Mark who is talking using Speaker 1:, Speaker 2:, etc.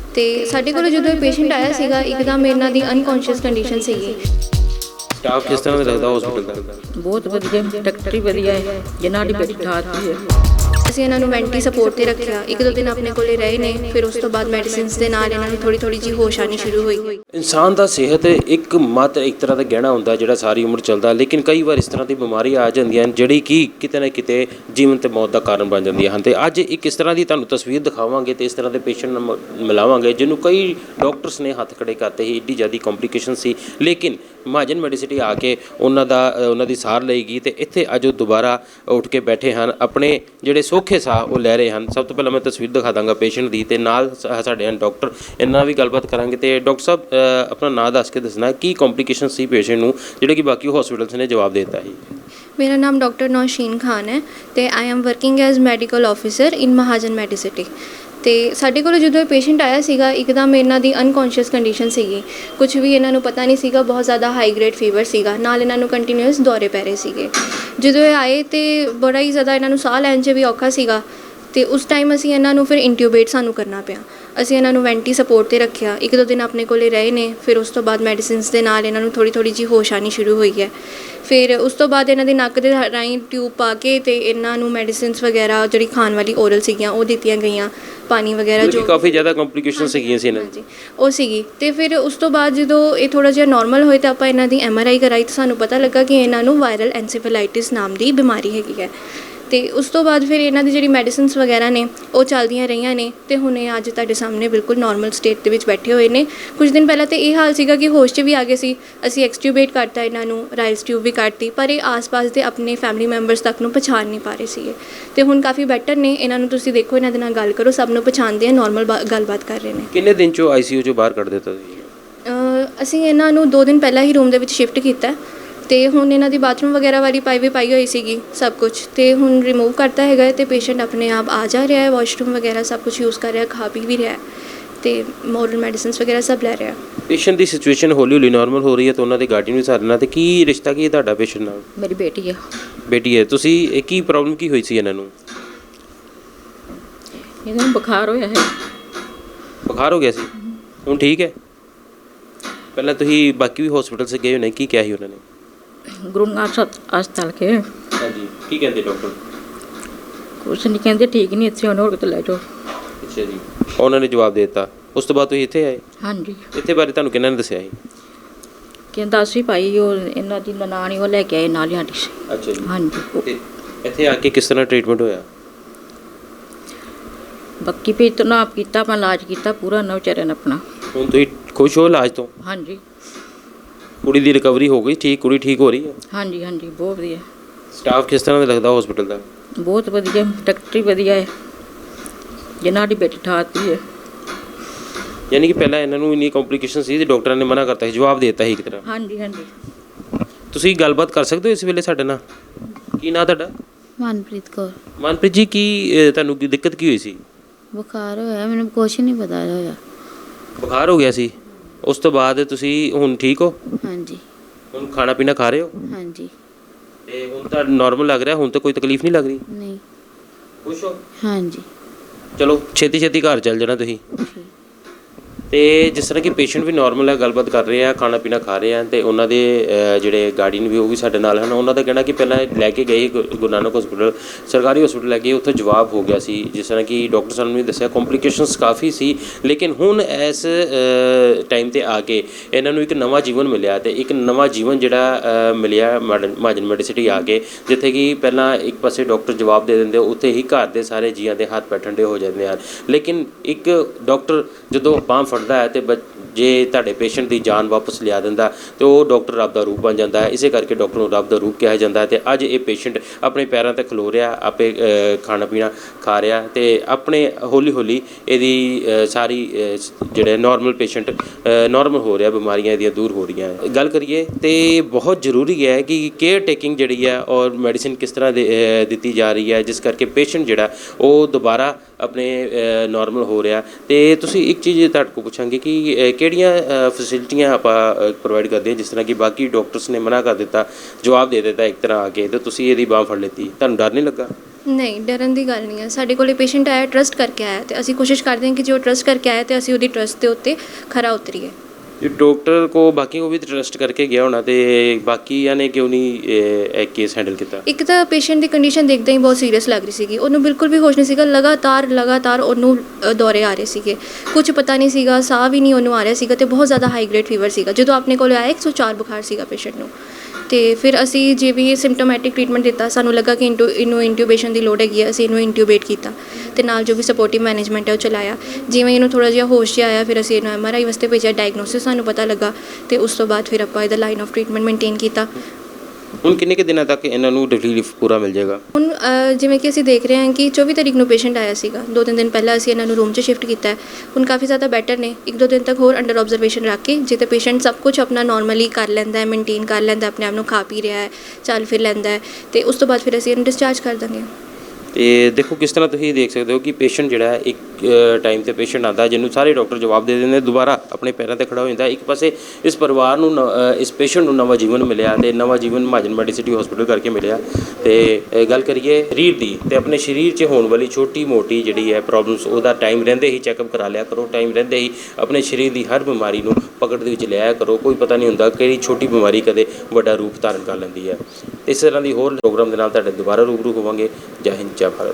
Speaker 1: ਤੇ ਸਾਡੇ ਕੋਲ ਜਦੋਂ ਇਹ ਪੇਸ਼ੈਂਟ ਆਇਆ ਸੀਗਾ ਇੱਕਦਮ ਇਹਨਾਂ ਦੀ ਅਨਕੌਂਸ਼ੀਅਸ ਕੰਡੀਸ਼ਨ ਸੀਗੀ।
Speaker 2: ਸਟਾਫ ਕਿਸ ਤਰ੍ਹਾਂ ਦਾ ਲੱਗਦਾ ਹਸਪੀਟਲ ਦਾ?
Speaker 3: ਬਹੁਤ ਵਧੀਆ, ਡਾਕਟਰ ਹੀ ਵਧੀਆ ਹੈ, ਜਿਨ੍ਹਾਂ ਦੀ ਬੇਟੀ ਠਾਤੀ ਹੈ।
Speaker 1: ਅਸੀਂ ਇਹਨਾਂ ਨੂੰ ਵੈਂਟੀ ਸਪੋਰਟ ਤੇ ਰੱਖਿਆ, 1-2 ਦਿਨ ਆਪਣੇ ਕੋਲੇ ਰਹੇ ਨੇ, ਫਿਰ ਉਸ ਤੋਂ ਬਾਅਦ ਮੈਡੀਸਿਨਸ ਦੇ ਨਾਲ ਇਹਨਾਂ ਨੂੰ ਥੋੜੀ ਜਿਹੀ ਹੋਸ਼ ਆਣੀ ਸ਼ੁਰੂ ਹੋਈ।
Speaker 2: ਇਨਸਾਨ ਦਾ ਸਿਹਤ ਇੱਕ ਤਰ੍ਹਾਂ ਦਾ ਗਹਿਣਾ ਹੁੰਦਾ ਜਿਹੜਾ ਸਾਰੀ ਉਮਰ ਚੱਲਦਾ, ਲੇਕਿਨ ਕਈ ਵਾਰ ਇਸ ਤਰ੍ਹਾਂ ਦੀ ਬਿਮਾਰੀਆਂ ਆ ਜਾਂਦੀਆਂ ਹਨ ਜਿਹੜੀ ਕਿ ਕਿਤੇ ਨਾ ਕਿਤੇ ਜੀਵਨ ਤੇ ਮੌਤ ਦਾ ਕਾਰਨ ਬਣ ਜਾਂਦੀਆਂ ਹਨ। ਤੇ ਅੱਜ ਇੱਕ ਇਸ ਤਰ੍ਹਾਂ ਦੀ ਤੁਹਾਨੂੰ ਤਸਵੀਰ ਦਿਖਾਵਾਂਗੇ ਤੇ ਇਸ ਤਰ੍ਹਾਂ ਦੇ ਪੇਸ਼ੈਂਟ ਨਾਲ ਮਿਲਾਵਾਂਗੇ ਜਿਹਨੂੰ ਕਈ ਡਾਕਟਰਸ ਨੇ ਹੱਥ ਖੜੇ ਕਰਤੇ ਸੀ, ਏਡੀ ਜ਼ਿਆਦਾ ਕੰਪਲਿਕੇਸ਼ਨ ਸੀ, ਲੇਕਿਨ ਮਹਾਜਨ ਮੈਡੀਸਿਟੀ ਆ ਕੇ ਉਹਨਾਂ ਦੀ ਸਾਰ ਲਈ ਗਈ ਤੇ ਇੱਥੇ ਅੱਜ ਉਹ ਦੁਬਾਰਾ ਉੱਠ ਕੇ ਬੈਠੇ ਹਨ, ਆਪਣੇ ਜਿਹੜੇ ਸੌਖੇ ਸਾਹ ਉਹ ਲੈ ਰਹੇ ਹਨ। ਸਭ ਤੋਂ ਪਹਿਲਾਂ ਮੈਂ ਤਸਵੀਰ ਦਿਖਾ ਦਾਂਗਾ ਪੇਸ਼ੈਂਟ ਦੀ ਤੇ ਨਾਲ ਸਾਡੇ ਹਨ ਡਾਕਟਰ, ਇਹਨਾਂ ਨਾਲ ਵੀ ਗੱਲਬਾਤ ਕਰਾਂਗੇ। ਤੇ ਡਾਕਟਰ ਸਾਹਿਬ ਆਪਣਾ ਨਾਂ ਦੱਸ ਕੇ ਦੱਸਣਾ ਕੀ ਕੰਪਲਿਕੇਸ਼ਨ ਸੀ ਪੇਸ਼ੈਂਟ ਨੂੰ ਜਿਹੜੇ ਕਿ ਬਾਕੀ ਹਸਪੀਟਲਸ ਨੇ ਜਵਾਬ ਦੇ ਦਿੱਤਾ ਸੀ।
Speaker 1: ਮੇਰਾ ਨਾਮ ਡਾਕਟਰ ਨੌਸ਼ੀਨ ਖਾਨ ਹੈ ਤੇ I am working as medical officer in Mahajan Medicity. ਤੇ ਸਾਡੇ ਕੋਲ ਜਦੋਂ ਇਹ ਪੇਸ਼ੈਂਟ ਆਇਆ ਸੀਗਾ ਇੱਕਦਮ ਇਹਨਾਂ ਦੀ ਅਨਕੌਂਸ਼ੀਅਸ ਕੰਡੀਸ਼ਨ ਸੀਗੀ, ਕੁਝ ਵੀ ਇਹਨਾਂ ਨੂੰ ਪਤਾ ਨਹੀਂ ਸੀਗਾ, ਬਹੁਤ ਜ਼ਿਆਦਾ ਹਾਈ ਗ੍ਰੇਡ ਫੀਵਰ ਸੀਗਾ, ਨਾਲ ਇਹਨਾਂ ਨੂੰ ਕੰਟੀਨਿਊਸ ਦੌਰੇ ਪੈ ਰਹੇ ਸੀਗੇ। ਜਦੋਂ ਇਹ ਆਏ ਤੇ ਬੜਾ ਹੀ ਜ਼ਿਆਦਾ ਇਹਨਾਂ ਨੂੰ ਸਾਹ ਲੈਣ 'ਚ ਵੀ ਔਖਾ ਸੀਗਾ ਤੇ ਉਸ ਟਾਈਮ ਅਸੀਂ ਇਹਨਾਂ ਨੂੰ ਫਿਰ ਇੰਟਿਊਬੇਟ ਸਾਨੂੰ ਕਰਨਾ ਪਿਆ। ਅਸੀਂ ਇਹਨਾਂ ਨੂੰ ਵੈਂਟੀ ਸਪੋਰਟ ਤੇ ਰੱਖਿਆ, 1-2 ਦਿਨ ਆਪਣੇ ਕੋਲੇ ਰਹੇ ਨੇ, ਫਿਰ ਉਸ ਤੋਂ ਬਾਅਦ ਮੈਡੀਸਿਨਸ ਦੇ ਨਾਲ ਇਹਨਾਂ ਨੂੰ ਥੋੜੀ ਜਿਹੀ ਹੋਸ਼ ਆਣੀ ਸ਼ੁਰੂ ਹੋਈ ਹੈ। ਫਿਰ ਉਸ ਤੋਂ ਬਾਅਦ ਇਹਨਾਂ ਦੇ ਨੱਕ ਦੇ ਰਾਹੀਂ ਟਿਊਬ ਪਾ ਕੇ ਤੇ ਇਹਨਾਂ ਨੂੰ ਮੈਡੀਸਿਨਸ ਵਗੈਰਾ ਜਿਹੜੀ ਖਾਣ ਵਾਲੀ ਓਰਲ ਸੀਗੀਆਂ ਉਹ ਦਿੱਤੀਆਂ ਗਈਆਂ, ਪਾਣੀ ਵਗੈਰਾ ਜੋ
Speaker 2: ਕਾਫੀ ਜ਼ਿਆਦਾ ਕੰਪਲਿਕੇਸ਼ਨ ਸੀਗੀਆਂ ਸੀ ਇਹਨਾਂ
Speaker 1: ਦੀ ਉਹ ਸੀਗੀ। ਤੇ ਫਿਰ ਉਸ ਤੋਂ ਬਾਅਦ ਜਦੋਂ ਇਹ ਥੋੜਾ ਜਿਹਾ ਨਾਰਮਲ ਹੋਏ ਤਾਂ ਆਪਾਂ ਇਹਨਾਂ ਦੀ MRI ਕਰਾਈ ਤਾਂ ਸਾਨੂੰ ਪਤਾ ਲੱਗਾ ਕਿ ਇਹਨਾਂ ਨੂੰ ਵਾਇਰਲ ਐਨਸੈਫੇਲਾਈਟਿਸ ਨਾਮ ਦੀ ਬਿਮਾਰੀ ਹੈਗੀ ਹੈ। ਤੇ ਉਸ ਤੋਂ ਬਾਅਦ ਫਿਰ ਇਹਨਾਂ ਦੀ ਜਿਹੜੀ ਮੈਡੀਸਿਨਸ ਵਗੈਰਾ ਨੇ ਉਹ ਚੱਲਦੀਆਂ ਰਹੀਆਂ ਨੇ ਤੇ ਹੁਣ ਇਹ ਅੱਜ ਤੁਹਾਡੇ ਸਾਹਮਣੇ ਬਿਲਕੁਲ ਨਾਰਮਲ ਸਟੇਟ ਦੇ ਵਿੱਚ ਬੈਠੇ ਹੋਏ ਨੇ। ਕੁਝ ਦਿਨ ਪਹਿਲਾਂ ਤੇ ਇਹ ਹਾਲ ਸੀਗਾ ਕਿ ਹੋਸ਼ 'ਚ ਵੀ ਆ ਗਏ ਸੀ, ਅਸੀਂ ਐਕਸਟਿਊਬੇਟ ਕਰਤਾ ਇਹਨਾਂ ਨੂੰ, ਰਾਈਸ ਟਿਊਬ ਵੀ ਕੱਢਤੀ, ਪਰ ਇਹ ਆਸ-ਪਾਸ ਦੇ ਆਪਣੇ ਫੈਮਿਲੀ ਮੈਂਬਰਸ ਤੱਕ ਨੂੰ ਪਛਾਣ ਨਹੀਂ ਪਾ ਰਹੇ ਸੀਗੇ। ਤੇ ਹੁਣ ਕਾਫੀ ਬੈਟਰ ਨੇ, ਇਹਨਾਂ ਨੂੰ ਤੁਸੀਂ ਦੇਖੋ, ਇਹਨਾਂ ਦੇ ਨਾਲ ਗੱਲ ਕਰੋ, ਸਭ ਨੂੰ ਪਛਾਣਦੇ ਆ, ਨਾਰਮਲ ਗੱਲਬਾਤ ਕਰ ਰਹੇ ਨੇ।
Speaker 2: ਕਿੰਨੇ ਦਿਨ 'ਚੋਂ ICU 'ਚੋਂ ਬਾਹਰ ਕੱਢ ਦਿੱਤਾ ਸੀ?
Speaker 1: ਅਸੀਂ ਇਹਨਾਂ ਨੂੰ 2 ਦਿਨ ਪਹਿਲਾਂ ਹੀ ਰੂਮ ਦੇ ਵਿੱਚ ਸ਼ਿਫਟ ਕੀਤਾ ਤੇ ਹੁਣ ਇਹਨਾਂ ਦੀ ਬਾਥਰੂਮ ਵਗੈਰਾ ਵਾਲੀ ਪਾਈ ਪਾਈ ਹੋਈ ਸੀਗੀ ਸਭ ਕੁਝ, ਤੇ ਹੁਣ ਰਿਮੂਵ ਕਰਤਾ ਹੈਗਾ ਤੇ ਪੇਸ਼ੈਂਟ ਆਪਣੇ ਆਪ ਆ ਜਾ ਰਿਹਾ ਹੈ, ਵਾਸ਼ਰੂਮ ਵਗੈਰਾ ਸਭ ਕੁਝ ਯੂਜ਼ ਕਰ ਰਿਹਾ, ਖਾ ਪੀ ਵੀ ਰਿਹਾ ਤੇ ਮੋਰਲ ਮੈਡੀਸਿਨਸ ਵਗੈਰਾ ਸਭ ਲੈ ਰਿਹਾ।
Speaker 2: ਪੇਸ਼ੈਂਟ ਦੀ ਸਿਚੁਏਸ਼ਨ ਹੌਲੀ ਨਾਰਮਲ ਹੋ ਰਹੀ ਹੈ ਤੇ ਉਹਨਾਂ ਦੇ ਗਾਰਡੀਅਨ ਵੀ ਸਾਡੇ ਨਾਲ। ਤੇ ਕੀ ਰਿਸ਼ਤਾ ਕੀ ਹੈ ਤੁਹਾਡਾ ਪੇਸ਼ੈਂਟ ਨਾਲ?
Speaker 3: ਮੇਰੀ ਬੇਟੀ ਹੈ।
Speaker 2: ਬੇਟੀ ਹੈ। ਤੁਸੀਂ ਇਹ ਕੀ ਪ੍ਰੋਬਲਮ ਕੀ ਹੋਈ ਸੀ ਇਹਨਾਂ ਨੂੰ?
Speaker 3: ਇਹਨਾਂ ਨੂੰ ਬੁਖਾਰ ਹੋਇਆ ਹੈ।
Speaker 2: ਬੁਖਾਰ ਹੋ ਗਿਆ ਸੀ, ਹੁਣ ਠੀਕ ਹੈ? ਪਹਿਲਾਂ ਤੁਸੀਂ ਬਾਕੀ ਵੀ ਹਸਪੀਟਲ 'ਚ ਗਏ ਹੋਣੇ, ਕੀ ਕਿਹਾ ਸੀ ਉਹਨਾਂ ਨੇ?
Speaker 3: ਗੁਰੂ ਨਾਨਕ ਹਸਪਤਾਲ ਕੇ।
Speaker 2: ਹਾਂਜੀ, ਕੀ ਕਹਿੰਦੇ ਡਾਕਟਰ?
Speaker 3: ਕੁਛ ਨਹੀਂ ਕਹਿੰਦੇ, ਠੀਕ ਨਹੀਂ, ਇੱਥੇ ਹੋਰ ਕਿਤੇ ਲੈ ਜਾਓ।
Speaker 2: ਅੱਛਾ ਜੀ, ਉਹਨਾਂ ਨੇ ਜਵਾਬ ਦੇ ਦਿੱਤਾ। ਉਸ ਤੋਂ ਬਾਅਦ ਤੁਸੀਂ ਇੱਥੇ ਆਏ?
Speaker 3: ਹਾਂਜੀ।
Speaker 2: ਇੱਥੇ ਬਾਰੇ ਤੁਹਾਨੂੰ ਕਿਹਨਾਂ ਨੇ ਦੱਸਿਆ ਸੀ?
Speaker 3: ਕਹਿੰਦਾ ਸੀ ਭਾਈ ਉਹ ਇਹਨਾਂ ਦੀ ਨਨਾਣੀ ਉਹ ਲੈ ਕੇ ਆਏ ਨਾਲ ਹੀ ਸਾਡੀ।
Speaker 2: ਅੱਛਾ ਜੀ।
Speaker 3: ਹਾਂਜੀ।
Speaker 2: ਤੇ ਇੱਥੇ ਆ ਕੇ ਕਿਸ ਤਰ੍ਹਾਂ ਟ੍ਰੀਟਮੈਂਟ ਹੋਇਆ?
Speaker 3: ਬਾਕੀ ਵੀ ਇਤਨਾ ਕੀਤਾ, ਮੈਂ ਇਲਾਜ ਕੀਤਾ ਪੂਰਾ ਨਾ ਵਿਚਾਰਿਆਂ ਨੇ ਆਪਣਾ।
Speaker 2: ਹੁਣ ਤੁਸੀਂ ਖੁਸ਼ ਹੋ ਇਲਾਜ ਤੋਂ?
Speaker 3: ਹਾਂਜੀ।
Speaker 2: ਕੁੜੀ ਦੀ ਰਿਕਵਰੀ ਹੋ ਗਈ ਠੀਕ? ਕੁੜੀ ਠੀਕ ਹੋ ਰਹੀ ਹੈ?
Speaker 3: ਹਾਂਜੀ ਹਾਂਜੀ, ਬਹੁਤ ਵਧੀਆ।
Speaker 2: ਸਟਾਫ ਕਿਸ ਤਰ੍ਹਾਂ ਦਾ ਲੱਗਦਾ ਹਸਪੀਟਲ ਦਾ?
Speaker 3: ਬਹੁਤ ਵਧੀਆ, ਡਾਕਟਰ ਹੀ ਵਧੀਆ ਹੈ, ਜਿਨ੍ਹਾਂ ਦੀ ਬੇਟੀ ਠਾਤੀ ਹੈ।
Speaker 2: ਯਾਨੀ ਕਿ ਪਹਿਲਾਂ ਇਹਨਾਂ ਨੂੰ ਇੰਨੀ ਕੰਪਲਿਕੇਸ਼ਨ ਸੀ ਤੇ ਡਾਕਟਰਾਂ ਨੇ ਮਨਾ ਕਰਤਾ ਸੀ, ਜਵਾਬ ਦੇ ਦਿੱਤਾ ਸੀ ਇੱਕ ਤਰ੍ਹਾਂ।
Speaker 3: ਹਾਂਜੀ ਹਾਂਜੀ।
Speaker 2: ਤੁਸੀਂ ਗੱਲਬਾਤ ਕਰ ਸਕਦੇ ਹੋ ਇਸ ਵੇਲੇ ਸਾਡੇ ਨਾਲ? ਕੀ ਨਾਂ ਤੁਹਾਡਾ?
Speaker 4: ਮਨਪ੍ਰੀਤ ਕੌਰ।
Speaker 2: ਮਨਪ੍ਰੀਤ ਜੀ, ਕੀ ਤੁਹਾਨੂੰ ਕੀ ਦਿੱਕਤ ਕੀ ਹੋਈ ਸੀ?
Speaker 4: ਬੁਖਾਰ ਹੋਇਆ, ਮੈਨੂੰ ਕੁਛ ਨਹੀਂ ਪਤਾ ਹੋਇਆ।
Speaker 2: ਬੁਖਾਰ ਹੋ ਗਿਆ ਸੀ, ਉਸ ਤੋਂ ਬਾਅਦ ਤੁਸੀਂ ਹੁਣ ਠੀਕ ਹੋ?
Speaker 4: ਹਾਂਜੀ।
Speaker 2: ਹੁਣ ਖਾਣਾ ਪੀਣਾ ਖਾ ਰਹੇ ਹੋ?
Speaker 4: ਹਾਂਜੀ।
Speaker 2: ਤੇ ਹੁਣ ਤਾਂ ਨਾਰਮਲ ਲੱਗ ਰਿਹਾ, ਹੁਣ ਤਾਂ ਕੋਈ ਤਕਲੀਫ ਨਹੀਂ ਲੱਗ ਰਹੀ?
Speaker 4: ਨਹੀਂ।
Speaker 2: ਖੁਸ਼ ਹੋ?
Speaker 4: ਹਾਂਜੀ।
Speaker 2: ਚਲੋ ਛੇਤੀ ਘਰ ਚੱਲ ਜਾਣਾ ਤੁਸੀਂ। ਤੇ ਜਿਸ ਤਰ੍ਹਾਂ ਕਿ ਪੇਸ਼ੈਂਟ ਵੀ ਨਾਰਮਲ ਹੈ, ਗੱਲਬਾਤ ਕਰ ਰਹੇ ਆ, ਖਾਣਾ ਪੀਣਾ ਖਾ ਰਹੇ ਆ ਤੇ ਉਹਨਾਂ ਦੇ ਜਿਹੜੇ ਗਾਰਡੀਅਨ ਵੀ ਉਹ ਵੀ ਸਾਡੇ ਨਾਲ ਹਨ। ਉਹਨਾਂ ਦਾ ਕਹਿਣਾ ਕਿ ਪਹਿਲਾਂ ਲੈ ਕੇ ਗਏ ਗੁਰੂ ਨਾਨਕ ਹਸਪੀਟਲ, ਸਰਕਾਰੀ ਹਸਪੀਟਲ ਲੈ ਕੇ, ਉੱਥੇ ਜਵਾਬ ਹੋ ਗਿਆ ਸੀ। ਜਿਸ ਤਰ੍ਹਾਂ ਕਿ ਡਾਕਟਰ ਸਾਹਿਬ ਨੇ ਦੱਸਿਆ ਕੰਪਲਿਕੇਸ਼ਨਸ ਕਾਫੀ ਸੀ, ਲੇਕਿਨ ਹੁਣ ਇਸ ਟਾਈਮ 'ਤੇ ਆ ਕੇ ਇਹਨਾਂ ਨੂੰ ਇੱਕ ਨਵਾਂ ਜੀਵਨ ਮਿਲਿਆ ਤੇ ਇੱਕ ਨਵਾਂ ਜੀਵਨ ਜਿਹੜਾ ਮਿਲਿਆ ਮਹਾਜਨ ਮੈਡੀਸਿਟੀ ਆ ਕੇ, ਜਿੱਥੇ ਕਿ ਪਹਿਲਾਂ ਇੱਕ ਪਾਸੇ ਡਾਕਟਰ ਜਵਾਬ ਦੇ ਦਿੰਦੇ, ਉੱਥੇ ਹੀ ਘਰ ਦੇ ਸਾਰੇ ਜੀਆਂ ਦੇ ਹੱਥ ਪੈਰ ਠੰਡੇ ਹੋ ਜਾਂਦੇ ਹਨ। ਲੇਕਿਨ ਇੱਕ ਡਾਕਟਰ ਜਦੋਂ ਬਾਂਹ ਫੜਦਾ ਹੈ ਤੇ ਜੇ ਤੁਹਾਡੇ ਪੇਸ਼ੈਂਟ ਦੀ ਜਾਨ ਵਾਪਸ ਲਿਆ ਦਿੰਦਾ ਤੇ ਉਹ ਡਾਕਟਰ ਰੱਬ ਦਾ ਰੂਪ ਬਣ ਜਾਂਦਾ ਹੈ। ਇਸੇ ਕਰਕੇ ਡਾਕਟਰ ਨੂੰ ਰੱਬ ਦਾ ਰੂਪ ਕਿਹਾ ਜਾਂਦਾ ਹੈ। ਤੇ ਅੱਜ ਇਹ ਪੇਸ਼ੈਂਟ ਆਪਣੇ ਪੈਰਾਂ 'ਤੇ ਖਲੋ ਰਿਹਾ, ਆਪੇ ਖਾਣਾ ਪੀਣਾ ਖਾ ਰਿਹਾ ਤੇ ਆਪਣੇ ਹੌਲੀ ਇਹਦੀ ਸਾਰੀ ਜਿਹੜੇ ਨਾਰਮਲ ਪੇਸ਼ੈਂਟ ਨਾਰਮਲ ਹੋ ਰਿਹਾ, ਬਿਮਾਰੀਆਂ ਇਹਦੀਆਂ ਦੂਰ ਹੋ ਰਹੀਆਂ। ਗੱਲ ਕਰੀਏ ਤੇ ਬਹੁਤ ਜ਼ਰੂਰੀ ਹੈ ਕਿ ਕੇਅਰ ਟੇਕਿੰਗ ਜਿਹੜੀ ਹੈ ਔਰ ਮੈਡੀਸਿਨ ਕਿਸ ਤਰ੍ਹਾਂ ਦਿੱਤੀ ਜਾ ਰਹੀ ਹੈ, ਜਿਸ ਕਰਕੇ ਪੇਸ਼ੈਂਟ ਜਿਹੜਾ ਉਹ ਦੁਬਾਰਾ ਆਪਣੇ ਨਾਰਮਲ ਹੋ ਰਿਹਾ। ਤੇ ਤੁਸੀਂ ਇੱਕ ਚੀਜ਼ ਤੁਹਾਡੇ ਕੋਲ ਪੁੱਛਾਂਗੇ ਕਿ ਕਿਹੜੀਆਂ ਫੈਸਿਲਿਟੀਆਂ ਆਪਾਂ ਪ੍ਰੋਵਾਈਡ ਕਰਦੇ ਹਾਂ, ਜਿਸ ਤਰ੍ਹਾਂ ਕਿ ਬਾਕੀ ਡਾਕਟਰਸ ਨੇ ਮਨਾ ਕਰ ਦਿੱਤਾ, ਜਵਾਬ ਦੇ ਦਿੱਤਾ ਇੱਕ ਤਰ੍ਹਾਂ ਆ ਕੇ, ਤੇ ਤੁਸੀਂ ਇਹਦੀ ਬਾਂਹ ਫੜ ਲਿੱਤੀ, ਤੁਹਾਨੂੰ ਡਰ ਨਹੀਂ ਲੱਗਾ?
Speaker 1: ਨਹੀਂ, ਡਰਨ ਦੀ ਗੱਲ ਨਹੀਂ ਹੈ। ਸਾਡੇ ਕੋਲੇ ਪੇਸ਼ੈਂਟ ਆਇਆ ਟਰਸਟ ਕਰਕੇ ਆਇਆ, ਤੇ ਅਸੀਂ ਕੋਸ਼ਿਸ਼ ਕਰਦੇ ਹਾਂ ਕਿ ਜੋ ਟਰਸਟ ਕਰਕੇ ਆਇਆ ਤੇ ਅਸੀਂ ਉਹਦੀ ਟਰਸਟ ਦੇ ਉੱਤੇ ਖਰਾ ਉਤਰੀਏ।
Speaker 2: ਜੇ ਡਾਕਟਰ ਕੋ ਬਾਕੀ ਕੋ ਵੀ ਟਰਸਟ ਕਰਕੇ ਗਿਆ ਹੋਣਾ, ਤੇ ਬਾਕੀਆਂ ਨੇ ਕਿਉਂ ਨਹੀਂ ਇਹ ਕੇਸ ਹੈਂਡਲ ਕੀਤਾ?
Speaker 1: ਇੱਕ ਤਾਂ ਪੇਸ਼ੈਂਟ ਦੀ ਕੰਡੀਸ਼ਨ ਦੇਖਦੇ ਹੀ ਬਹੁਤ ਸੀਰੀਅਸ ਲੱਗ ਰਹੀ ਸੀਗੀ, ਉਹਨੂੰ ਬਿਲਕੁਲ ਵੀ ਹੋਸ਼ ਨਹੀਂ ਸੀਗਾ, ਲਗਾਤਾਰ ਉਹਨੂੰ ਦੌਰੇ ਆ ਰਹੇ ਸੀਗੇ, ਕੁਝ ਪਤਾ ਨਹੀਂ ਸੀਗਾ, ਸਾਹ ਵੀ ਨਹੀਂ ਉਹਨੂੰ ਆ ਰਿਹਾ ਸੀਗਾ, ਤੇ ਬਹੁਤ ਜ਼ਿਆਦਾ ਹਾਈ ਗ੍ਰੇਡ ਫੀਵਰ ਸੀਗਾ। ਜਦੋਂ ਆਪਣੇ ਕੋਲ ਆਇਆ 104 ਬੁਖਾਰ ਸੀਗਾ ਪੇਸ਼ੈਂਟ ਨੂੰ, ਤੇ ਫਿਰ ਅਸੀਂ ਜੇ ਵੀ ਸਿੰਪਟੋਮੈਟਿਕ ਟ੍ਰੀਟਮੈਂਟ ਦਿੱਤਾ, ਸਾਨੂੰ ਲੱਗਾ ਕਿ ਇਹਨੂੰ ਇੰਟਿਊਬੇਸ਼ਨ ਦੀ ਲੋੜ ਹੈਗੀ ਹੈ, ਅਸੀਂ ਇਹਨੂੰ ਇੰਟਿਊਬੇਟ ਕੀਤਾ, ਤੇ ਨਾਲ ਜੋ ਵੀ ਸਪੋਰਟਿਵ ਮੈਨੇਜਮੈਂਟ ਹੈ ਉਹ ਚਲਾਇਆ। ਜਿਵੇਂ ਇਹਨੂੰ ਥੋੜ੍ਹਾ ਜਿਹਾ ਹੋਸ਼ ਜਿਹਾ ਆਇਆ, ਫਿਰ ਅਸੀਂ ਇਹਨੂੰ MRI ਵਾਸਤੇ ਭੇਜਿਆ, ਡਾਇਗਨੋਸਿਸ ਸਾਨੂੰ ਪਤਾ ਲੱਗਾ, ਤੇ ਉਸ ਤੋਂ ਬਾਅਦ ਫਿਰ ਆਪਾਂ ਇਹਦਾ ਲਾਈਨ ਆਫ ਟ੍ਰੀਟਮੈਂਟ ਮੇਨਟੇਨ ਕੀਤਾ।
Speaker 2: ਹੁਣ ਕਿੰਨੇ ਕੁ ਦਿਨਾਂ ਤੱਕ ਇਹਨਾਂ ਨੂੰ ਰਿਲੀਫ ਪੂਰਾ ਮਿਲ ਜਾਏਗਾ?
Speaker 1: ਹੁਣ ਜਿਵੇਂ ਕਿ ਅਸੀਂ ਦੇਖ ਰਹੇ ਹਾਂ ਕਿ 24 ਤਰੀਕ ਨੂੰ ਪੇਸ਼ੈਂਟ ਆਇਆ ਸੀਗਾ, 2-3 ਦਿਨ ਪਹਿਲਾਂ ਅਸੀਂ ਇਹਨਾਂ ਨੂੰ ਰੂਮ 'ਚ ਸ਼ਿਫਟ ਕੀਤਾ ਹੈ। ਹੁਣ ਕਾਫੀ ਜ਼ਿਆਦਾ ਬੈਟਰ ਨੇ, 1-2 ਦਿਨ ਤੱਕ ਹੋਰ ਅੰਡਰ ਆਬਜ਼ਰਵੇਸ਼ਨ ਰੱਖ ਕੇ, ਜਿੱਥੇ ਪੇਸ਼ੈਂਟ ਸਭ ਕੁਝ ਆਪਣਾ ਨਾਰਮਲੀ ਕਰ ਲੈਂਦਾ ਹੈ, ਮੇਨਟੇਨ ਕਰ ਲੈਂਦਾ, ਆਪਣੇ ਆਪ ਨੂੰ ਖਾ ਪੀ ਰਿਹਾ ਹੈ, ਚੱਲ ਫਿਰ ਲੈਂਦਾ ਹੈ, ਤੇ ਉਸ ਤੋਂ ਬਾਅਦ ਫਿਰ ਅਸੀਂ ਇਹਨੂੰ ਡਿਸਚਾਰਜ ਕਰ ਦਾਂਗੇ।
Speaker 2: ਤੇ ਦੇਖੋ ਕਿਸ ਤਰ੍ਹਾਂ ਤੁਸੀਂ ਦੇਖ ਸਕਦੇ ਹੋ ਕਿ ਪੇਸ਼ੈਂਟ ਜਿਹੜਾ ਇੱਕ ਟਾਈਮ ਤੇ ਪੇਸ਼ੈਂਟ ਆਉਂਦਾ ਜਿਹਨੂੰ ਸਾਰੇ ਡਾਕਟਰ ਜਵਾਬ ਦੇ ਦਿੰਦੇ, ਦੁਬਾਰਾ ਆਪਣੇ ਪੈਰਾਂ ਤੇ ਖੜਾ ਹੋ ਜਾਂਦਾ। ਇੱਕ ਪਾਸੇ ਇਸ ਪਰਿਵਾਰ ਨੂੰ ਇਸ ਪੇਸ਼ੈਂਟ ਨੂੰ ਨਵਾਂ ਜੀਵਨ ਮਿਲਿਆ, ਤੇ ਨਵਾਂ ਜੀਵਨ ਮਹਾਜਨ ਮੈਡੀਸਿਟੀ ਹਸਪੀਟਲ ਕਰਕੇ ਮਿਲਿਆ। ਤੇ ਗੱਲ ਕਰੀਏ ਸਰੀਰ ਦੀ, ਤੇ ਆਪਣੇ ਸਰੀਰ 'ਚ ਹੋਣ ਵਾਲੀ ਛੋਟੀ ਮੋਟੀ ਜਿਹੜੀ ਹੈ ਪ੍ਰੋਬਲਮਸ, ਉਹਦਾ ਟਾਈਮ ਰਹਿੰਦੇ ਹੀ ਚੈੱਕਅਪ ਕਰਾ ਲਿਆ ਕਰੋ, ਟਾਈਮ ਰਹਿੰਦੇ ਹੀ ਆਪਣੇ ਸਰੀਰ ਦੀ ਹਰ ਬਿਮਾਰੀ ਨੂੰ ਪਕੜ ਦੇ ਵਿੱਚ ਲਿਆਇਆ ਕਰੋ। ਕੋਈ ਪਤਾ ਨਹੀਂ ਹੁੰਦਾ ਕਿਹੜੀ ਛੋਟੀ ਬਿਮਾਰੀ ਕਦੇ ਵੱਡਾ ਰੂਪ ਧਾਰਨ ਕਰ ਲੈਂਦੀ ਹੈ। ਇਸ ਤਰ੍ਹਾਂ ਦੀ ਹੋਰ ਪ੍ਰੋਗਰਾਮ ਦੇ ਨਾਲ ਤੁਹਾਡੇ ਦੁਬਾਰਾ ਰੂਬਰੂ ਹੋਵਾਂਗੇ। ਜੈ ਹਿੰਦ, ਜੈ ਭਾਰਤ।